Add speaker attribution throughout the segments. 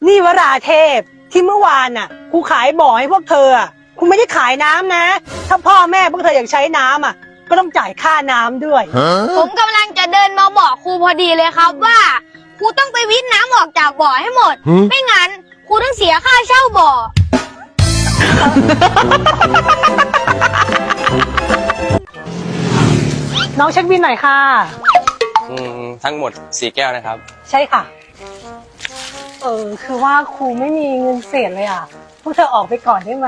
Speaker 1: นี่วราเทพที่เมื่อวานน่ะครูขายบ่อให้พวกเธออ่ะครูไม่ได้ขายน้ำนะ ถ้าพ่อแม่พวกเธออยากใช้น้ำอ่ะก็ต้องจ่ายค่าน้ำด้วย
Speaker 2: ผมกำลังจะเดินมาบอกครูพอดีเลยครับว่าครูต้องไปวิทย์น้ำออกจากบ่อให้หมด ไม่งั้นครูต้องเสียค่าเช่าบ่อ
Speaker 1: น้องเช็คบินหน่อยค่ะ
Speaker 3: ทั้งหมด4 แก้วนะครับ
Speaker 1: ใช่ค่ะ คือว่าครูไม่มีเงินเศษเลยอ่ะพวกเธอออกไปก่อนได้ไหม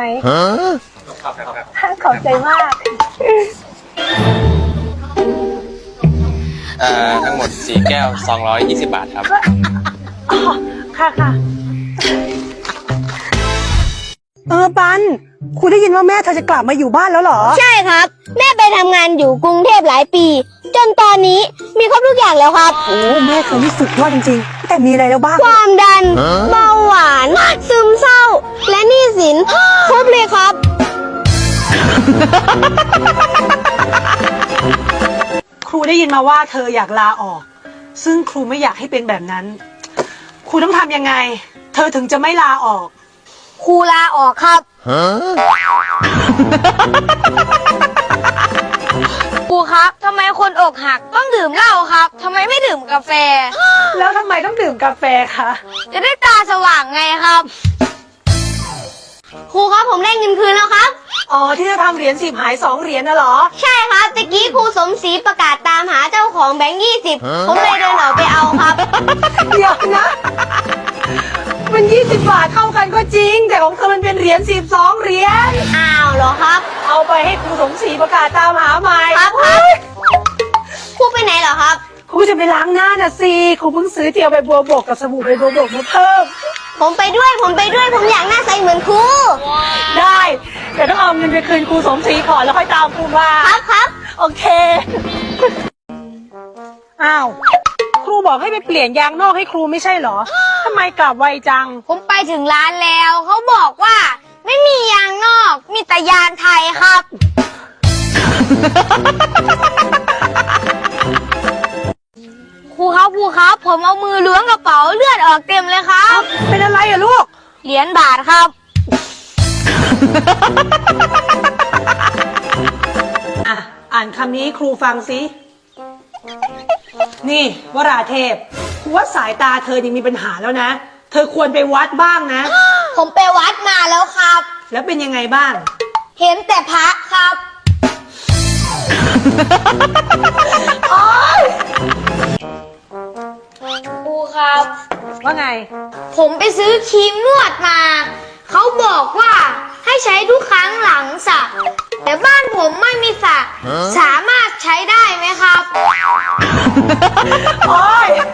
Speaker 1: ขอบใจมาก
Speaker 3: ทั้งหมด4 แก้ว220 บาทครับ
Speaker 1: อ๋อค่ะค่ะปันครูได้ยินว่าแม่เธอจะกลับมาอยู่บ้านแล้วเหรอ
Speaker 2: ใช่ครับแม่ไปทำงานอยู่กรุงเทพหลายปี จนตอนนี้มีครบทุกอย่างแล้วครับ
Speaker 1: โอ้แม่เธอนี่สุดยอดจริงๆแต่มีอะไรแล้วบ้าง
Speaker 2: ความดันเบาหวานซึมเศร้า และหนี้สินครบเลยครับ
Speaker 1: ครูได้ยินมาว่าเธออยากลาออก ซึ่งครูไม่อยากให้เป็นแบบนั้น ครูต้องทำยังไง เธอถึงจะไม่ลาออก
Speaker 2: ครูลาออกครับ ครูครับทำไมคนอกหักต้องดื่มเหล้าครับทำไมไม่ดื่มกาแฟ
Speaker 1: แล้วทำไมต้องดื่มกาแฟคะ
Speaker 2: จะได้ตาสว่างไงครับ ครูครับผมได้เงินคืนแล้วครับ
Speaker 1: อ๋อที่จะทำเหรียญ10หาย2เหรียญน่ะเหรอ
Speaker 2: ใช่ครับตะกี้ครูสมศรีประกาศตามหาเจ้าของแบงค์20ผมเลยเดินออกไปเอาครับ
Speaker 1: เดี๋ยวนะ มัน20 บาทเข้ากันก็จริง แต่ของเธอมันเป็นเหรียญ12เหรียญ
Speaker 2: อ้าวเหรอครับ
Speaker 1: เอาไปให้ครูสมศรีประกาศตามหาใหม่
Speaker 2: ครับครูไปไหนเหรอครับ
Speaker 1: ครูจะไปล้างหน้าน่ะสิครูเพิ่งซื้อเจียวใบบัวบกกับสบู่ใบบัวบกมาเพิ่ม
Speaker 2: ผมไปด้วยผมอยากหน้าใสเหมือนครู
Speaker 1: ได้แต่ต้องเอาเงินไปคืนครูสมศรีก่อนแล้วค่อยตามครูมา
Speaker 2: ครับ
Speaker 1: โอเค อ้าว ครูบอกให้ไปเปลี่ยนยางนอกให้ครูไม่ใช่เหรอ ทำไมกลับไวจัง
Speaker 2: ผมไปถึงร้านแล้วเขาบอกว่าไม่มียางนอกมีแต่ยางไทยครับ ครูครับผมเอามือล้วงกระเป๋าเลือดออกเต็มเลยครับ
Speaker 1: เป็นอะไรอะลูก
Speaker 2: เหรียญบาทครับ
Speaker 1: อ่ะ อ่านคำนี้ครูฟังสิ นี่วราเทพครูว่าสายตาเธอยังมีปัญหาแล้วนะ เธอควรไปวัดบ้างนะ
Speaker 2: ผมไปวัดมาแล้วครับ
Speaker 1: แล้วเป็นยังไงบ้าง
Speaker 2: เห็นแต่พระครับ ครูครับ
Speaker 1: ว่าไง
Speaker 2: ผมไปซื้อครีมนวดมา เขาบอกว่าให้ใช้ทุกครั้งหลังสระแต่บ้านผมไม่มีสระสามารถใช้ได้ไหมครับ
Speaker 1: โอ๊ย